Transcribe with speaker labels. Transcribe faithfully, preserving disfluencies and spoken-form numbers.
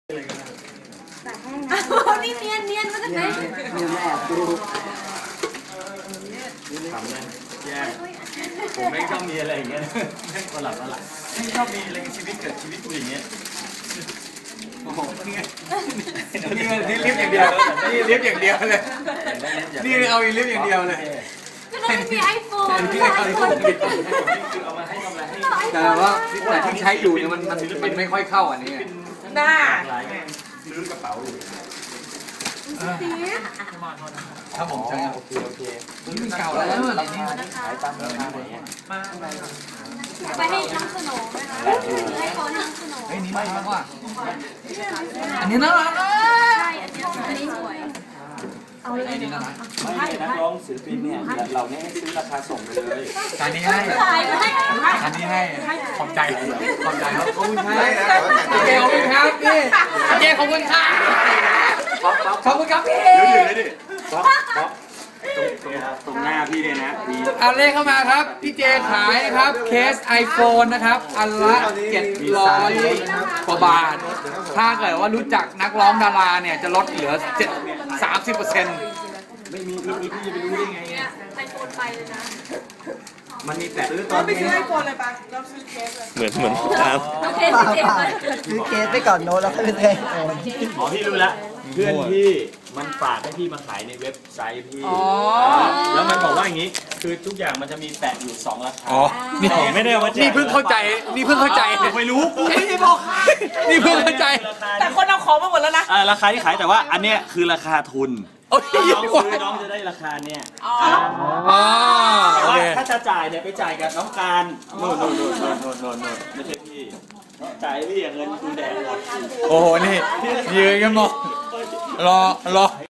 Speaker 1: แต่แห้งนะนี่เนียนเนียนมาจากไหนเนียนแอบดู
Speaker 2: ทำเนี่ยแย่ผมไม่ชอบมีอะไรอย่างเงี้ยไม่ประหลาดประหลาดไม่ชอบมีอะไรชีวิตเกิดชีวิตกูอย่างเงี้ยโอ้โหนี่นี่นี่ลิฟต์อย่างเดียวนี่ลิฟต์อย่างเดียวเลยนี่เอาอีลิฟต์อย่างเดียวเลย
Speaker 1: ก็ต้องมีไอโฟน
Speaker 2: ที่ไอโฟนคือเอามาให้ทำอะไรให้
Speaker 3: แต่ว่าแต่ที่ใช้อยู่เนี่ยมันมันมันไม่ค่อยเข้าอันนี้
Speaker 1: หน้า
Speaker 2: ซื้อกระเป๋าอยู่
Speaker 3: ครับผมใช่โอเคโอเคนี่มันเก่าแล้วอะไรนี่ขายตามราคาอย่างเงี้ย
Speaker 1: ไปให้น้องสโนว์ไหมคะให้เขาน้องสโนว์
Speaker 3: เฮ้ยนี่น่ารักว่ะอันนี้น่ารัก
Speaker 1: ใช่อันนี้อันนี้สวยเอาเลย
Speaker 3: นี่น่ารัก
Speaker 2: ไม่นักร้องศิลปินเนี่ยเราเนี่ยให้ซื้อราคาส่งไปเลย
Speaker 3: การนี้ให้การนี้ให้ขอบใจขอบใจครับขอบคุณครับเจขอบคุณครับพี่เจขอบคุณครับขอบคุณครับพี่
Speaker 2: เดี๋ยวอยู่เลยดิป๊อปป๊อปตรงหน้าพี่เนี่ยนะมี
Speaker 3: อันเลขเข้ามาครับพี่เจขายนะครับเคส iPhone นะครับอันละเจ็ดร้อยกว่าบาทถ้าเกิดว่ารู้จักนักร้องดาราเนี่ยจะลดเหลือสามสิบเปอร์เซ็นต์
Speaker 2: ไม่มีพี่พี่จะไปรู้ได้ไงเนี่ย
Speaker 1: ไอโฟนไปเลยนะ
Speaker 2: มันมีแต่ซื้อตอนนี้
Speaker 4: ไปซื้อไอโฟนเลยปะเราซื้อเคสเลย
Speaker 5: เหมือนเหมือนครับ
Speaker 1: โอเคเจ็บเลย
Speaker 6: ซื้อเคสไปก่อนโน้ตแล้วก็ไปซื้อไอโฟน
Speaker 2: อ๋อพี่รู้แล้วเพื่อนพี่มันฝากให้พี่มาขายในเว็บไซต์พี่แล้วมันบอกว่าอย่างนี้คือทุกอย่างมันจะมีแปะอยู่สองราคา
Speaker 3: อ๋อนี่
Speaker 2: ไม่ได้ว่า
Speaker 3: นี่เพิ่งเข้าใจนี่เพิ่งเข้าใจ
Speaker 2: ไม่รู้กู
Speaker 3: ไม่ได้บอกนี่เพิ่งเข้าใจ
Speaker 4: แต่คนเอาของมาหมดแล้วนะ
Speaker 2: ราคาที่ขายแต่ว่าอันเนี้ยคือราคาทุนน้องซื้อน้องจะได้ราคาเนี่ยแต่ว่าถ้าจะจ่ายเนี่ยไปจ่ายกับน้องการโน่นโน่นโน่นโน่นโน่นโน่นไม่ใช่พี่จ่ายพี่เงินคุณแดงหมด
Speaker 3: โอ้โหนี่ยืนกันหมดรอรอ